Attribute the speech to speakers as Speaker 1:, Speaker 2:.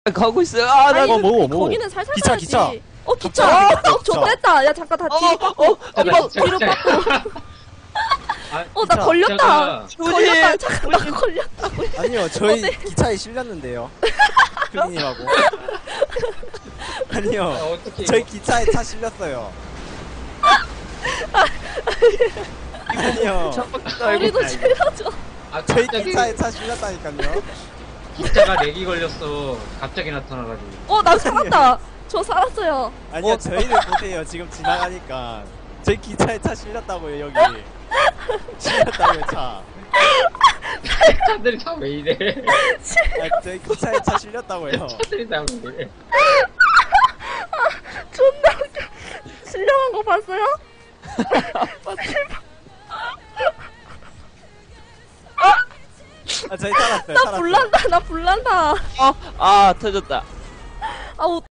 Speaker 1: 가고 있어요. 아, 나
Speaker 2: 아니,
Speaker 1: 이거
Speaker 2: 뭐,
Speaker 3: 거기는 살살
Speaker 2: 기차,
Speaker 3: 가야지.
Speaker 2: 기차.
Speaker 3: 기차.
Speaker 2: 기차.
Speaker 3: 좋됐다. 야, 잠깐 다 뒤로 빠꾸. 뒤로 빠꾸. 나
Speaker 2: 기차.
Speaker 3: 걸렸다.
Speaker 1: 조심.
Speaker 3: 걸렸다. 잠깐, 나 걸렸다.
Speaker 2: 아니요, 저희 기차에 실렸는데요. 크리님하고. 아니요,
Speaker 4: 어떻게
Speaker 2: 저희 기차에 차 실렸어요. 아니요,
Speaker 3: 우리도 실어줘.
Speaker 2: 저희 기차에 차 실렸다니까요.
Speaker 4: 기차가 렉이 걸렸어. 갑자기 나타나가지고.
Speaker 3: 나 살았다. 저 살았어요.
Speaker 2: 아니요, 저희를 보세요. 지금 지나가니까 저희 기차에 차 실렸다고요. 여기 실렸다고요, 차.
Speaker 4: 차들이 다 왜 이래?
Speaker 2: 저희 기차에 차 실렸다고요.
Speaker 4: 차들이 다 왜 이래?
Speaker 3: 존나 웃겨. 실력한 거 봤어요?
Speaker 2: 저희 살았어요.
Speaker 3: 나 불난다. 나 불난다.
Speaker 1: 아, 터졌다.
Speaker 3: 아우.